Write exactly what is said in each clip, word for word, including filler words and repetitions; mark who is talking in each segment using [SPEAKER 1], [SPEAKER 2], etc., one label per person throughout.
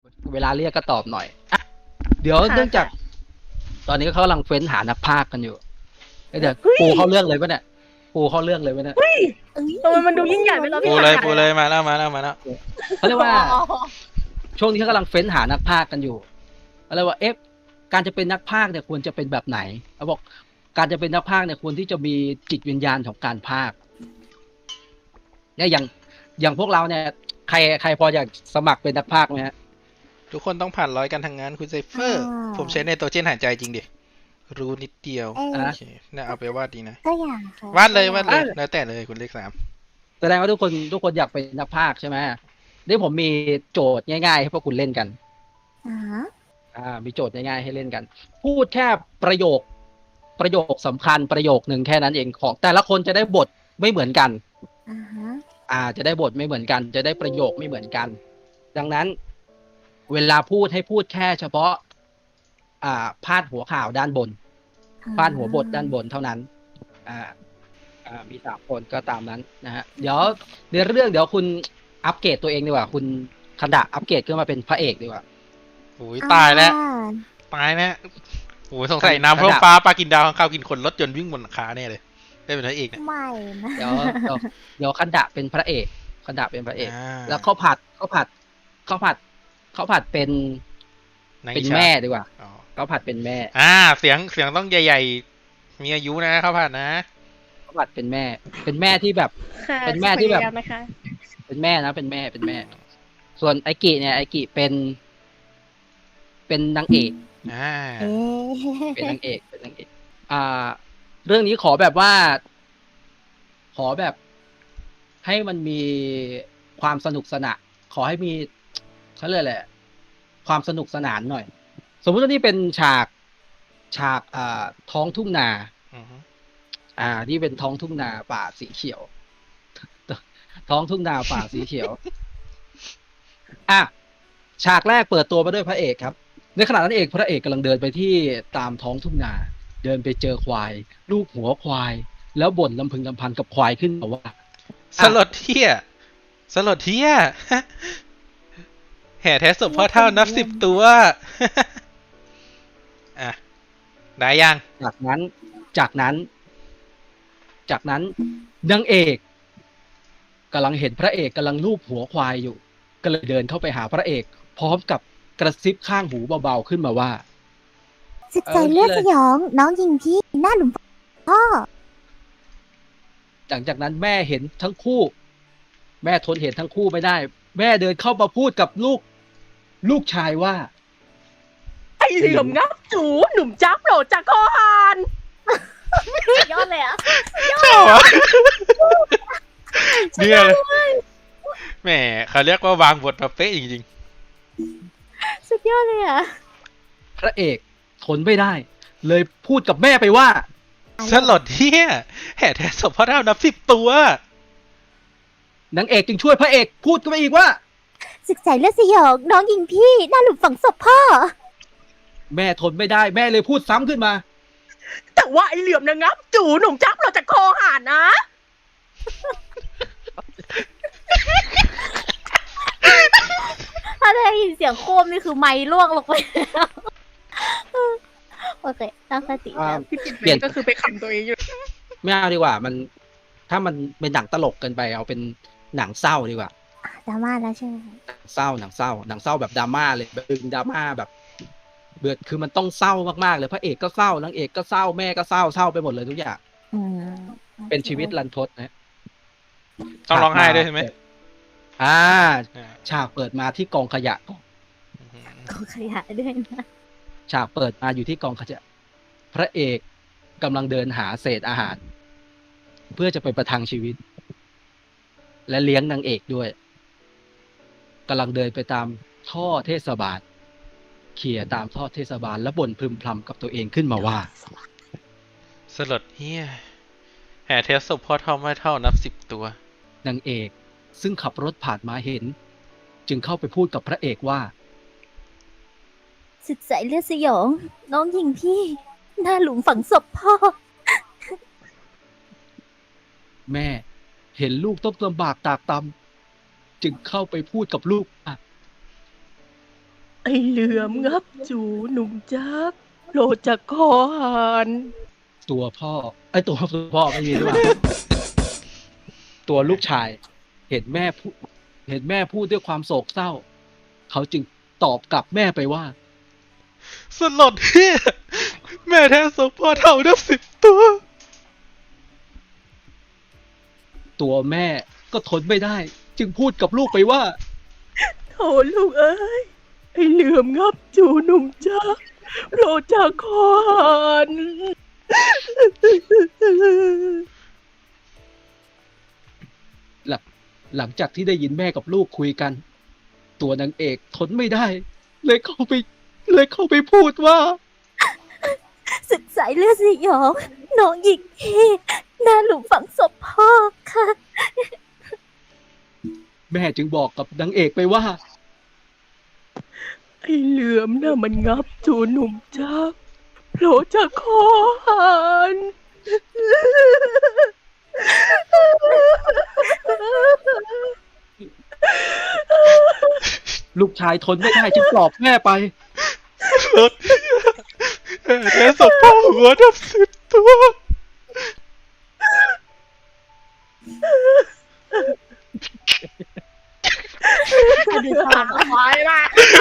[SPEAKER 1] เวลาเรียกก็ตอบหน่อยอ่ะเดี๋ยวเนื่องจาก ตอนนี้เขากำลังเฟ้นหานักพากย์กันอยู่เอ้ยเดี๋ยวปูเข้าเรื่องเลยปะเนี่ยปูเข้าเรื่องเลยปะเนี่ย
[SPEAKER 2] ทำไมมันดูยิ่งใหญ่ไปแล้ว
[SPEAKER 3] ปู
[SPEAKER 2] พี่
[SPEAKER 3] เลย
[SPEAKER 2] ขา
[SPEAKER 3] ปูเลยมาแล้วมาแล้วมาแล้ว
[SPEAKER 1] เขาเรียกว่า ช่วงนี้เขากำลังเฟ้นหานักพากย์กันอยู่อะไรว่าเอฟการจะเป็นนักพากย์เนี่ยควรจะเป็นแบบไหนเขาบอกการจะเป็นนักพากย์เนี่ยควรที่จะมีจิตวิญญาณของการพากย์เนี่ยอย่างอย่างพวกเราเนี่ยใครใครพออยากสมัครเป็นนักพากย์ไหมฮะ
[SPEAKER 3] ทุกคนต้องผ่านร้อยกันทางงานคุณไซเฟอร์ ผมใช้ในตัวเจนหายใจจริงดิรู้นิดเดียว
[SPEAKER 4] เอ้ย
[SPEAKER 3] โอเคน่าเอาไปวาดดีนะ
[SPEAKER 4] ก็อยากค่ะ
[SPEAKER 3] วาดเลยวาดเลยแล้วแต่เลยคุณเลขสาม
[SPEAKER 1] แสดงว่าทุกคนทุกคนอยากเป็นนักพากย์ใช่ไหมนี่ผมมีโจทย์ง่ายๆให้พวกคุณเล่นกัน
[SPEAKER 4] อ๋อ
[SPEAKER 1] อ่า มีโจทย์ง่ายๆให้เล่นกัน พูดแค่ประโยค ประโยคสำคัญประโยคหนึ่งแค่นั้นเองของแต่ละคนจะได้บทไม่เหมือนกัน
[SPEAKER 4] อ่าฮะ
[SPEAKER 1] อ่า จะได้บทไม่เหมือนกัน จะได้ประโยคไม่เหมือนกัน ดังนั้น เวลาพูดให้พูดแค่เฉพาะ อ่า พาดหัวข่าวด้านบน พาดหัวบทด้านบนเท่านั้น อ่า อ่า มีสามคนก็ตามนั้นนะฮะ เดี๋ยวในเรื่องเดี๋ยวคุณอัปเกรดตัวเองดีกว่า คุณคันดะอัปเกรดขึ้นมาเป็นพระเอกดีกว่า
[SPEAKER 3] โอ้ยตายแล้ว
[SPEAKER 4] อ่า
[SPEAKER 3] ตายแล้วโอ้ยสงสัยน้ำเพิ่มฟ้าปลากินดาวข้างข้าวกินคนรถยนต์วิ่งบนหลังคาเนี่ยเลยได้เป็นพระเอกเนี่ย
[SPEAKER 4] ไม่นะ
[SPEAKER 1] เดี๋ยวเดี๋ยวเดี๋ยวคันดะเป็นพระเอกคันดะเป็นพระเอก
[SPEAKER 3] อ่า
[SPEAKER 1] แล้วข้าวผัดข้าวผัดข้าวผัดข้าวผัดเป็น
[SPEAKER 3] นาง
[SPEAKER 1] เป็น
[SPEAKER 3] อิจฉา
[SPEAKER 1] แม่ดีกว่า
[SPEAKER 3] อ๋อ
[SPEAKER 1] ข้าวผัดเป็นแม่
[SPEAKER 3] อ่าเสียงเสียงต้องใหญ่ๆมีอายุนะครับผ่านนะ
[SPEAKER 1] ข้าวผัดเป็นแม่ เป็นแม่ที่แบบ
[SPEAKER 2] ค่ะ
[SPEAKER 1] เป็นแม่ที่แบบ
[SPEAKER 2] พยายานะคะ
[SPEAKER 1] เป็นแม่นะเป็นแม่เป็นแม่ ส่วนไอกิเนี่ยไอกิเป็น เป็นนางเอก
[SPEAKER 3] อ่า
[SPEAKER 4] เอ๊ะ
[SPEAKER 1] เป็นนางเอกเป็นนางเอก อ่า เรื่องนี้ขอแบบว่า ขอแบบ ให้มันมีความสนุกสนานขอให้มีเขาเรียกอะไรความสนุกสนานหน่อย สมมุติว่านี่เป็นฉากฉากอ่าท้องทุ่งนา
[SPEAKER 3] อือฮึ
[SPEAKER 1] อ่า นี่เป็นท้องทุ่งนาป่าสีเขียว ท้องทุ่งนาป่าสีเขียว อ่ะฉากแรกเปิดตัวมาด้วยพระเอกครับ ในขณะนั้นเอกพระเอกกำลังเดินไปที่ตามท้องทุ่งนา เดินไปเจอควาย ลูกหัวควาย แล้วบ่นลำพึงลำพันกับควายขึ้นมาว่า
[SPEAKER 3] สลดเที่ยสลดเที่ย แห่แท้ศพพ่อเท่านับสิบตัว อ่ะได้ยัง
[SPEAKER 1] จากนั้น จากนั้น จากนั้นนางเอกกำลังเห็นพระเอกกำลังลูบหัวควายอยู่ ก็เลยเดินเข้าไปหาพระเอก พร้อมกับกระซิบข้างหูเบาๆขึ้นมาว่า
[SPEAKER 4] สึกใจเลือดสยอง น้องยิงพี่หน้าหลุมพ่อ
[SPEAKER 1] หลังจากนั้นแม่เห็นทั้งคู่ แม่ทนเห็นทั้งคู่ไม่ได้ แม่เดินเข้ามาพูดกับลูก ลูกชายว่า
[SPEAKER 2] ไอ้เหลี่ยมงับจูหนุ่มจับโหลดจากคอหาน
[SPEAKER 4] ยอดเลยอ่ะ
[SPEAKER 3] ชอบอ่ะเนี่ยเลยแหมเขาเรียกว่าวางบทมาเป๊ะจริง
[SPEAKER 4] สุดยอดเลยอ่ะ
[SPEAKER 1] พระเอกทนไม่ได้ เลยพูดกับแม่ไปว่า
[SPEAKER 3] ๆสลดเที่ยแห่แท้ศพพ่อเท่านับสิบตัวน
[SPEAKER 1] างเอกจึงช่วยพระเอกพูดขึ้นมาอีกว่า
[SPEAKER 4] สึกใจเลือดสยอง น้องยิงพี่หน้าหลุมฝังศพพ่อ
[SPEAKER 1] แม่ทนไม่ได้ แม่เลยพูดซ้ำขึ้นมา
[SPEAKER 2] แต่ว่าไอ้เหลี่ยมนะงับจูหนุ่มจับโหลดจากคอหานนะ
[SPEAKER 4] ถ้าได้ยินเสียงโครมนี่คือไม้ล่วงลงไปแล้วโอเคตั้งสติ
[SPEAKER 1] อ่า
[SPEAKER 4] แล้ว
[SPEAKER 2] พี่ปิด
[SPEAKER 1] เปลี่ยน
[SPEAKER 2] ก็คือไปขำตัวเองอยู่
[SPEAKER 1] ไม่เอาดีกว่า มัน ถ้ามันเป็นหนังตลกเกินไปเอาเป็นหนังเศร้าดีกว่า
[SPEAKER 4] ดราม่าแล้วใช่ไหมคะ
[SPEAKER 1] หนังเศร้าหนังเศร้าหนังเศร้าแบบดราม่าเลยแบบดึงดราม่าแบบเบือดคือมันต้องเศร้ามากๆเลยพระเอกก็เศร้านางเอกก็เศร้าแม่ก็เศร้าเศร้าไปหมดเลยทุกอย่าง
[SPEAKER 4] อืม
[SPEAKER 1] เป็นชีวิตรันทดนะ
[SPEAKER 3] ต้องร้องไห้ด้วยใช่ไหม
[SPEAKER 1] อ่า
[SPEAKER 3] อ่า
[SPEAKER 1] ฉากเปิดมาที่กองขยะก่อน
[SPEAKER 3] อือฮึ
[SPEAKER 4] ขอขยะด้วยนะ
[SPEAKER 1] ฉากเปิดมาอยู่ที่กองขยะพระเอกกำลังเดินหาเศษอาหาร เพื่อจะไปประทังชีวิต และเลี้ยงนางเอกด้วยกำลังเดินไปตามท่อเทศบาลเขี่ยตามท่อเทศบาลแล้วบ่นพึมพำกับตัวเองขึ้นมาว่า
[SPEAKER 3] สลดเที่ยแห่แท้ศพพ่อเท่าไม่เท่านับสิบตัวน
[SPEAKER 1] างเอกซึ่งขับรถผ่านมาเห็น จึงเข้าไปพูดกับพระเอกว่า
[SPEAKER 4] สึกใจเลือดสยอง น้องยิงพี่หน้าหลุมฝังศพพ่อ
[SPEAKER 1] แม่เห็นลูกต้องลำบากตากตำจึงเข้าไปพูดกับลูกอ่ะ
[SPEAKER 2] อ้เหลือมงับจูหนุ่มจักโลจะคอหัน
[SPEAKER 1] ตัวพ่อไอ้ยตัวพ่อไม่มีหรือเปล่า ตัวลูกชาย เห็นแม่พูดเห็นแม่พูดด้วยความโศกเศร้า เขาจึงตอบกลับแม่ไปว่า
[SPEAKER 3] สลดเฮียแม่แท้สมพ่อเท่านับสิบตัว
[SPEAKER 1] ตัวแม่ก็ทนไม่ได้ จึงพูดกับลูกไปว่า
[SPEAKER 2] โถลูกเอ้ยไอ้เหลือมงับจูหนุ่มจักโลจะคอหัน
[SPEAKER 1] หลังหลังจากที่ได้ยินแม่กับลูกคุยกัน ตัวนางเอกทนไม่ได้ เลยเข้าไป เลยเข้าไปพูดว่า
[SPEAKER 4] ศึกสายเลือดสยองน้องหญิงพี่หน้าหลุมฝังศพพ่อค่ะ
[SPEAKER 1] แม่จึงบอกกับนางเอกไปว่า
[SPEAKER 2] ไอ้เหลือมน่ะมันงับจูหนุ่มจักโลจะคอหัน
[SPEAKER 1] ลูกชายทนไม่ได้จึงปลอบแม่ไป
[SPEAKER 3] สลดแม่แท้สมพ่อหัวนับสิบตัว
[SPEAKER 4] อดีตสาม
[SPEAKER 2] หายละ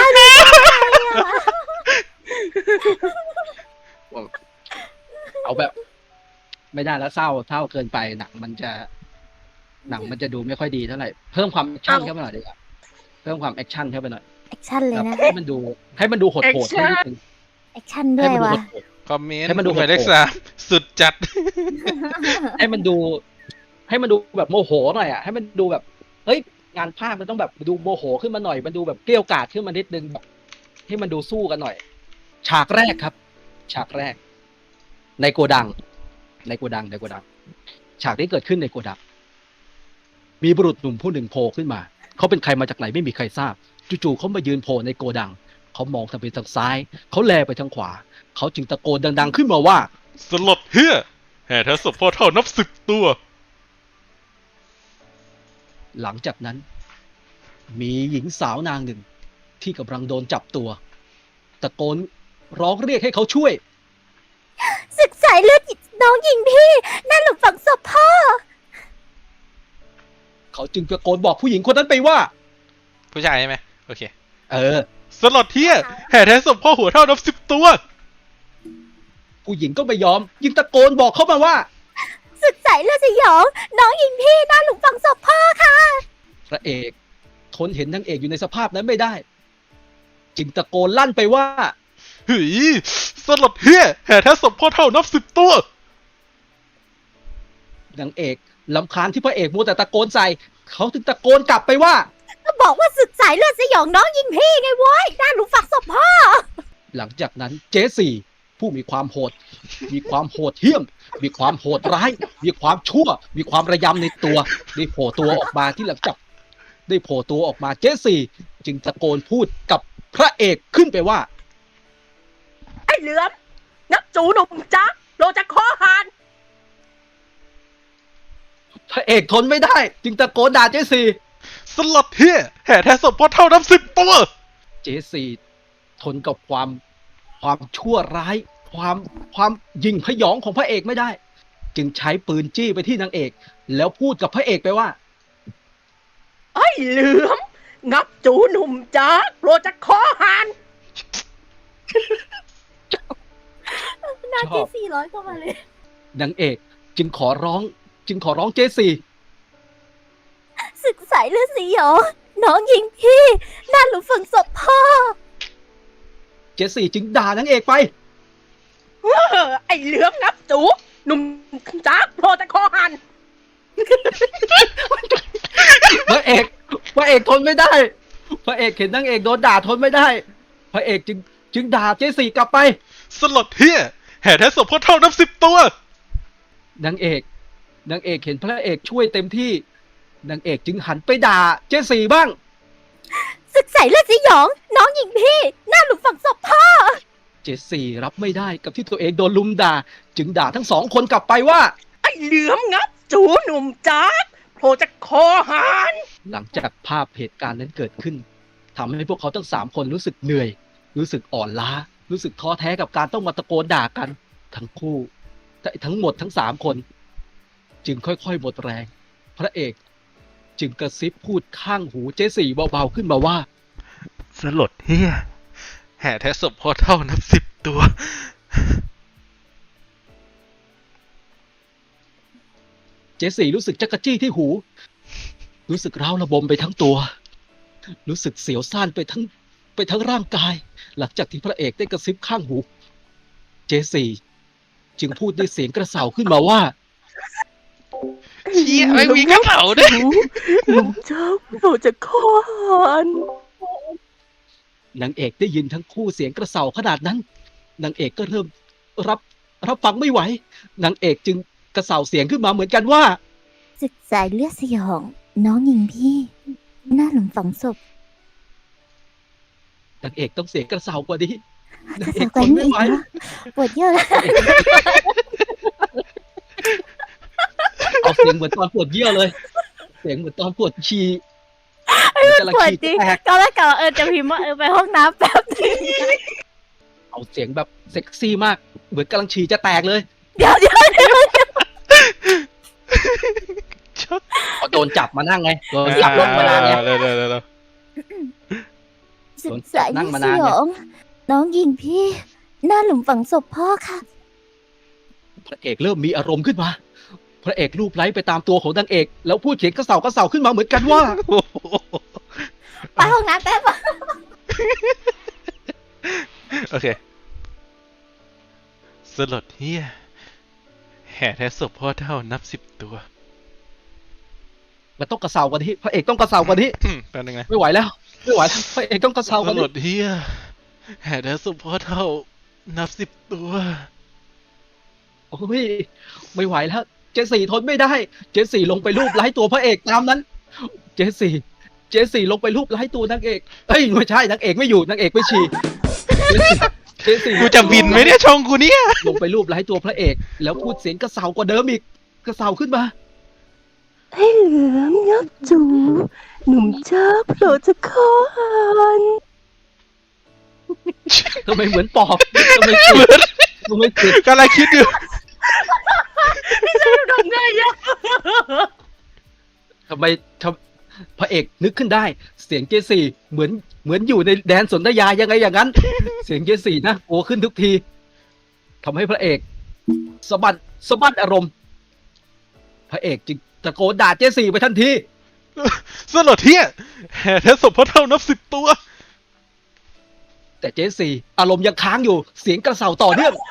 [SPEAKER 1] เอาแบบ ไม่ได้แล้วเศร้าเศร้าเกินไปหนังมันจะ หนังมันจะดูไม่ค่อยดีเท่าไหร่เพิ่มความแอคชั่นเข้าไปหน่อยดีกว่าเพิ่มความแอคชั่นเข้าไปหน่อย
[SPEAKER 4] แอคชั่นเลย
[SPEAKER 1] แบบ
[SPEAKER 4] นะ
[SPEAKER 1] ให้มันดู ให้มันดูโหดๆให้นิดนึง
[SPEAKER 4] แอคชั่นด้
[SPEAKER 1] ให้
[SPEAKER 4] วย
[SPEAKER 1] มันดู
[SPEAKER 4] วะ
[SPEAKER 1] โหด
[SPEAKER 3] คอมเมนต์
[SPEAKER 1] ให้มันดู
[SPEAKER 3] หมายเลขสามสุดจัด
[SPEAKER 1] ๆให้มันดู ให้มันดูแบบโมโหหน่อยอ่ะให้มันดูแบบเฮ้ยงานภาพมันต้องแบบดูโมโหขึ้นมาหน่อยมันดูแบบเกรี้ยวกราดขึ้นมานิดนึงแบบให้มันดูสู้กันหน่อย ฉากแรกครับ ฉากแรก ในโกดัง ในโกดังในโกดัง ฉากที่เกิดขึ้นในโกดัง มีบุรุษหนุ่มผู้หนึ่งโผล่ขึ้นมา เขาเป็นใครมาจากไหนไม่มีใครทราบ จู่ๆเขามายืนโผล่ในโกดัง เขามองทางไปทางซ้าย เขาแลไปทางขวา เขาจึงตะโกนดังๆขึ้นมาว่า
[SPEAKER 3] สลดเฮียแห่แท้สมพ่อเท่านับสิบตัว
[SPEAKER 1] หลังจากนั้น มีหญิงสาวนางหนึ่ง ที่กำลังโดนจับตัว ตะโกนร้องเรียกให้เขาช่วย
[SPEAKER 4] ศึกสายเลือดน้องหญิงพี่หน้าหลุมฝังศพพ่อ
[SPEAKER 1] เขาจึงตะโกนบอกผู้หญิงคนนั้นไปว่า
[SPEAKER 3] ผู้ชายใช่ไหมโอเค
[SPEAKER 1] เออ
[SPEAKER 3] สลดเฮียแห่แท้สมพ่อหัวเท่านับสิบตัว
[SPEAKER 1] ผู้หญิงก็ไม่ยอม ยิ่งตะโกนบอกเขามาว่า
[SPEAKER 4] ศึกสายเลือดสยองน้องหญิงพี่หน้าหลุมฝังศพพ่อค่ะ
[SPEAKER 1] พระเอกทนเห็นนางเอกอยู่ในสภาพนั้นไม่ได้ จึงตะโกนลั่นไปว่า
[SPEAKER 3] เฮ้ยสลดเฮียแห่แท้สมพ่อเท่านับสิบตัวน
[SPEAKER 1] างเอกลำคาญที่พระเอกมัวแต่ตะโกนใส่ เขาจึงตะโกนกลับไปว่า
[SPEAKER 4] ก็บอกว่าศึกสายเลือดสยองน้องหญิงพี่ไงโว้ยหน้าหลุมฝังศพพ่อ
[SPEAKER 1] หลังจากนั้นเจสี่ผู้มีความโหด มีความโหดเหี้ยม มีความโหดร้าย มีความชั่ว มีความระยำในตัว ได้โผล่ตัวออกมาที่หลังจากได้โผล่ตัวออกมาเจสี่จึงตะโกนพูดกับพระเอกขึ้นไปว่า
[SPEAKER 2] ไอ้เหลือมงับจูหนุ่มจักโลจะคอหัน
[SPEAKER 1] พระเอกทนไม่ได้ จึงตะโกนด่าเจสี่
[SPEAKER 3] สลดเฮียแห่แท้สมพ่อเท่านับสิบตัว
[SPEAKER 1] เจสี่ทนกับความความชั่วร้าย ความความยิงพยองของพระเอกไม่ได้ จึงใช้ปืนจี้ไปที่นางเอก แล้วพูดกับพระเอกไปว่า
[SPEAKER 2] ไอ้เหลือมงับจูหนุ่มจักโลจะคอหัน
[SPEAKER 4] หน้า
[SPEAKER 1] ช
[SPEAKER 4] เจ
[SPEAKER 1] อบ
[SPEAKER 4] สี่ร้อยเข้ามาเลย
[SPEAKER 1] นางเอกจึงขอร้อง จึงขอร้องเจสี่
[SPEAKER 4] ศึกสายเลือดสยองน้องหญิงพี่หน้าหลุมฝังศพพ่อ
[SPEAKER 1] เจสี่จึงด่านางเอกไป
[SPEAKER 2] เออไอ้เหลือมงับจูหนุ่มจักโลจะคอหัน
[SPEAKER 1] พระเอกพระเอกทนไม่ได้ พระเอกเห็นนางเอกโดนด่าทนไม่ได้ พระเอกจึงจึงด่าเจสี่กลับไป
[SPEAKER 3] สลดเฮียแห่แท้สมพ่อเท่านับสิบตัวน
[SPEAKER 1] างเอกนางเอกเห็นพระเอกช่วยเต็มที่นางเอกจึงหันไปด่าเจสี่บ้าง
[SPEAKER 4] ศึกสายเลือดสยองน้องหญิงพี่หน้าหลุมฝังศพพ่อ
[SPEAKER 1] เจสี่รับไม่ได้กับที่ตัวเองโดนลุมด่า จึงด่าทั้งสองคนกลับไปว่า
[SPEAKER 2] ไอ้เหลือมงับจูหนุ่มจักโลจะคอหัน
[SPEAKER 1] หลังจากภาพเหตุการณ์นั้นเกิดขึ้นทำให้พวกเขาทั้งสามคนรู้สึกเหนื่อยรู้สึกอ่อนล้า รู้สึกท้อแท้กับการต้องมาตะโกนด่ากัน ทั้งคู่ทั้งหมดทั้งสามคน จึงค่อยๆหมดแรง พระเอกจึงกระซิบพูดข้างหูเจสี่เบาๆขึ้นมาว่า
[SPEAKER 3] สลดเฮียแห่แท้ศพพ่อเท่านับสิบตัว
[SPEAKER 1] เจสี่รู้สึกจักระจี้ที่หู รู้สึกร้าวระบมไปทั้งตัว รู้สึกเสียวซ่านไปทั้งไปทั้งร่างกาย หลังจากที่พระเอกได้กระซิบข้างหู เจสี่จึงพูดด้วยเสียงกระเสาขึ้นมาว่า
[SPEAKER 3] เชี่ยไม่มีกระเป๋าด้วย
[SPEAKER 2] หนุ่มเจ้าเราจะคอหัน
[SPEAKER 1] นางเอกได้ยินทั้งคู่เสียงกระเสาขนาดนั้น นางเอกก็เริ่มรับรับฟังไม่ไหว นางเอกจึงกระเสาเสียงขึ้นมาเหมือนกันว่า
[SPEAKER 4] ศึกสายเลือดสยอง น้องหญิงพี่ หน้าหลุมฝังศพ
[SPEAKER 1] นางเอกต้องเสียงกระเสากว่านี้
[SPEAKER 4] กระสาวกันนี่อีกแล้วปวดเยอะเลย
[SPEAKER 1] เอาเสียงเหมือนตอนปวดเยี่ยวเลย เสียงเหมือนตอนปวดฉี่เหมือนกำลัง
[SPEAKER 4] ปวด
[SPEAKER 1] ฉี่
[SPEAKER 4] จริง
[SPEAKER 1] แตก
[SPEAKER 4] ก็แล้วกะว่าเออจะพิมพ์ว่าเออไปห้องน้ำแป๊บนึง
[SPEAKER 1] เอาเสียงแบบเซ็กซี่มาก เหมือนกำลังฉี่จะแตกเลย
[SPEAKER 4] เดี๋ยวเดี๋ยวเดี๋ยว
[SPEAKER 1] พอโดนจับมานั่งไง โดนจับลงมานั่งไง
[SPEAKER 3] เร็วเร็วเร็วเร็ว
[SPEAKER 4] ศึกสาย
[SPEAKER 1] นั่
[SPEAKER 4] เลื
[SPEAKER 1] ง
[SPEAKER 4] อด
[SPEAKER 1] มา
[SPEAKER 4] ส
[SPEAKER 1] นาน
[SPEAKER 4] ย
[SPEAKER 1] เนี่ย
[SPEAKER 4] อง น้องหญิงพี่ หน้าหลุมฝังศพพ่อค่ะ
[SPEAKER 1] พระเอกเริ่มมีอารมณ์ขึ้นมา พระเอกรูปไล้ไปตามตัวของนางเอก แล้วพูดเสียงกระเสากระเสาขึ้นมาเหมือนกันว่า
[SPEAKER 3] โอ้โห
[SPEAKER 4] ไปห้องน้ำแป๊บ
[SPEAKER 3] โอเค สลดเฮียแห่แท้ศพพ่อเท่านับสิบตัว
[SPEAKER 1] มันต้องกระเสากว่านี้ พระเอกต้องกระเสากว่านี้
[SPEAKER 3] อืมแป๊บนึงนะ
[SPEAKER 1] ไม่ไหวแล้ว ไม่ไหวแล้วพระเอกต้องกระเสา
[SPEAKER 3] ส
[SPEAKER 1] กว่า
[SPEAKER 3] ล
[SPEAKER 1] นี้
[SPEAKER 3] ดเฮียแห่แท้ศพพ่อเท่านับสิบตัว
[SPEAKER 1] โอ้ยไม่ไหวแล้ว เจสี่ทนไม่ได้ เจสี่ลงไปรูปไล้ตัวพระเอกตามนั้น เจสี่เจสี่ลงไปรูปไล้ตัวนางเอกเอ้ยไม่ใช่นางเอกไม่อยู่นางเอกไปฉี่เจสี่
[SPEAKER 3] กูจะบินไหมเนี่ยช่องกูเนี่ย
[SPEAKER 1] ลงไปรูปไล้ตัวพระเอก แล้วพูดเสียงกระเสากว่าเดิมอีกกระเสาขึ้นมา
[SPEAKER 2] ให้เหลือมยับจู หนุ่มเจ้าเราจะคอหัน
[SPEAKER 1] ทำไมเหมือนปอบทำไมเสียงทำไมเสียง
[SPEAKER 3] กำลังคิดอยู่
[SPEAKER 2] ทำไงอะ
[SPEAKER 1] ทำไมทำพระเอกนึกขึ้นได้ เสียงเจสี่เหมือนเหมือนอยู่ในแดนสนธยายังไงอย่างนั้น เสียงเจสี่นะโอ้ขึ้นทุกทีทำให้พระเอกสะบัดสะบัดอารมณ์ พระเอกจึงตะโกนด่าเจสี่ไปทันที
[SPEAKER 3] สลดเฮียแห่แท้ศพพ่อเท่านับสิบตัว
[SPEAKER 1] แต่เจสี่อารมณ์ยังค้างอยู่ เสียงกระเสาต่อเนื่อง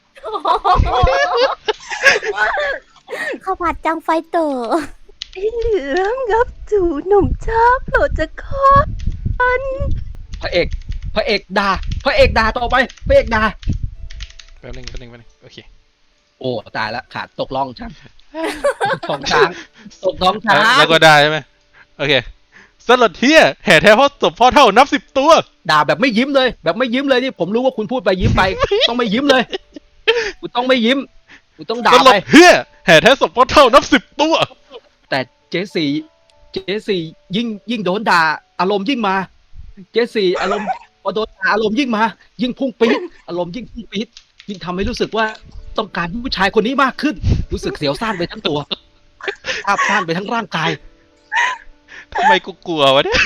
[SPEAKER 4] ข้าวผัดจังไฟเตอร์
[SPEAKER 2] ให้เหลือมยับจูหนุ่มเจ้าเราจะคอหัน
[SPEAKER 1] พระเอก พระเอกด่า พระเอกด่าต่อไป พระเอกด่า
[SPEAKER 3] แป๊บนึงแป๊บนึงแป๊บนึงโอเค
[SPEAKER 1] โอ้ตายแล้วขาดตกล่องช้างท้องช้างตกท้องช้าง
[SPEAKER 3] แล้วก็ได้ใช่ไหมโอเค สลดเฮียแห่แท้พ่อศพพ่อเท่านับสิบตัว
[SPEAKER 1] ด่าแบบไม่ยิ้มเลย แบบไม่ยิ้มเลยนี่ผมรู้ว่าคุณพูดไปยิ้มไป ต้องไม่ยิ้มเลยคุณต้องไม่ยิ้มคุณต้องด่า
[SPEAKER 3] สล
[SPEAKER 1] ไป
[SPEAKER 3] ดเฮียแห่แท้ศพพ่อเท่านับสิบตัว
[SPEAKER 1] แต่เจสี่เจสี่ยิ่งยิ่งโดนด่า อารมณ์ยิ่งมา เจสี่อารมณ์พอโดนด่าอารมณ์ยิ่งมา ยิ่งพุ่งปี๊ดอารมณ์ยิ่งพุ่งปี๊ดยิ่งทำให้รู้สึกว่าต้องการผู้ชายคนนี้มากขึ้น รู้สึกเสียวซ่านไปทั้งตัวภาพซ่านไปทั้งร่างกาย
[SPEAKER 3] ทำไมกูกลัววะเนี่ย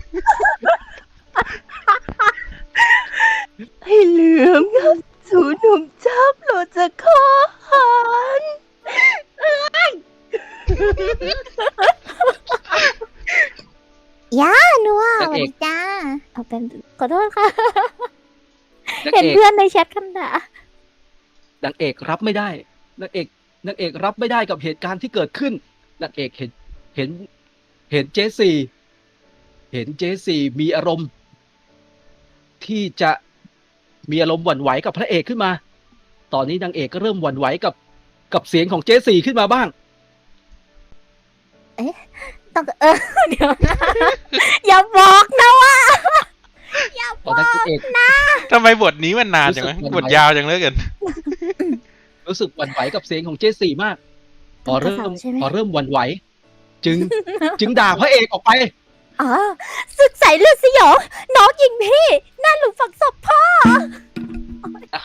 [SPEAKER 2] ให้เหลือมยับจูหนุ่มเจ้าเราจะคอหัน
[SPEAKER 4] ย่าหนัวส
[SPEAKER 1] นาง
[SPEAKER 4] วัส
[SPEAKER 1] เอก
[SPEAKER 4] ดีจ้าเอาเป็นขอโทษค่ะ
[SPEAKER 1] นาง
[SPEAKER 4] เห็น
[SPEAKER 1] เอก
[SPEAKER 4] เพื่อนในแชทกันด่าน
[SPEAKER 1] างเอกรับไม่ได้นางเอกนางเอกรับไม่ได้กับเหตุการณ์ที่เกิดขึ้นนางเอกเห็นเห็น เห็นเจสี่เห็นเจสี่มีอารมณ์ ที่จะมีอารมณ์หวั่นไหวกับพระเอกขึ้นมา ตอนนี้นางเอกก็เริ่มหวั่นไหวกับกับเสียงของเจสี่ขึ้นมาบ้าง
[SPEAKER 4] ต้องเออ เดี๋ยวนะ อย่าบอกนะว่าอย่าบ
[SPEAKER 1] ตอน
[SPEAKER 4] อ
[SPEAKER 1] นั้น
[SPEAKER 4] ก
[SPEAKER 1] นางเอก
[SPEAKER 3] ทำไมบทนี้มันนานจังวะ
[SPEAKER 1] รู้สึก
[SPEAKER 3] บทยาวจังเหลยกัน
[SPEAKER 1] รู้สึกหวั่นไหวกับเสียงของเจสี่มาก พอเริ่ม
[SPEAKER 4] ใช่ไหม
[SPEAKER 1] พอเริ่มหวั่นไหว จึง จึงด่าพระเอกออกไป
[SPEAKER 4] อ๋อศึกสายเลือดสยอง น้องหญิงพี่ หน้าหลุมฝังศพพ่อ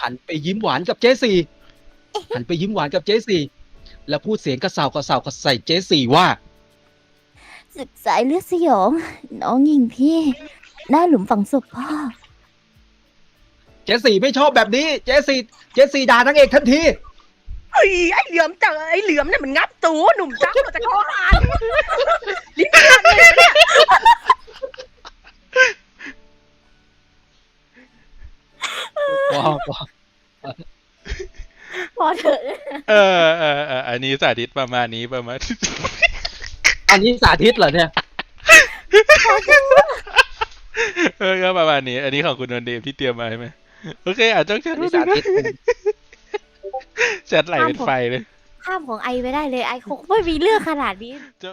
[SPEAKER 1] หันไปยิ้มหวานกับเจสี่หันไปยิ้มหวานกับเจสี่แล้วพูดเสียงกระเซากระเซากระใส่เจสี่ว่า
[SPEAKER 4] ศึกสายเลือดสยอง น้องยิงพี่ หน้าหลุมฝังศพพ่อ
[SPEAKER 1] เจสี่ไม่ชอบแบบนี้ เจสี่เจสี่ด่านางเอกทันที
[SPEAKER 2] เฮ้ยไอ้เหลือมเจอไอ้เหลือมเนี่ยมันงับตูหนุ่มจ้ามาจากคอหานลิ้นขาดเลยนะเนี่ย
[SPEAKER 1] พอพอ
[SPEAKER 4] พอเถอะ
[SPEAKER 3] เออเออเอออันนี้สาธิตประมาณนี้ประมาณ
[SPEAKER 1] อันนี้สาธิตเหรอเนี่ย
[SPEAKER 3] เออก็ประมาณนี้ อันนี้ของคุณนนเดมที่เตรียมมาใช่ไหมโอเคอ่ะจ้องแชท
[SPEAKER 1] อัน
[SPEAKER 3] มา
[SPEAKER 1] นี้
[SPEAKER 3] ดู
[SPEAKER 1] สา
[SPEAKER 3] นะ
[SPEAKER 1] ธิต
[SPEAKER 3] แชทไหลเป็นไฟเลย
[SPEAKER 4] ข้ามของไอไปได้เลยไอคงไม่มีเรื่องขนาดนี้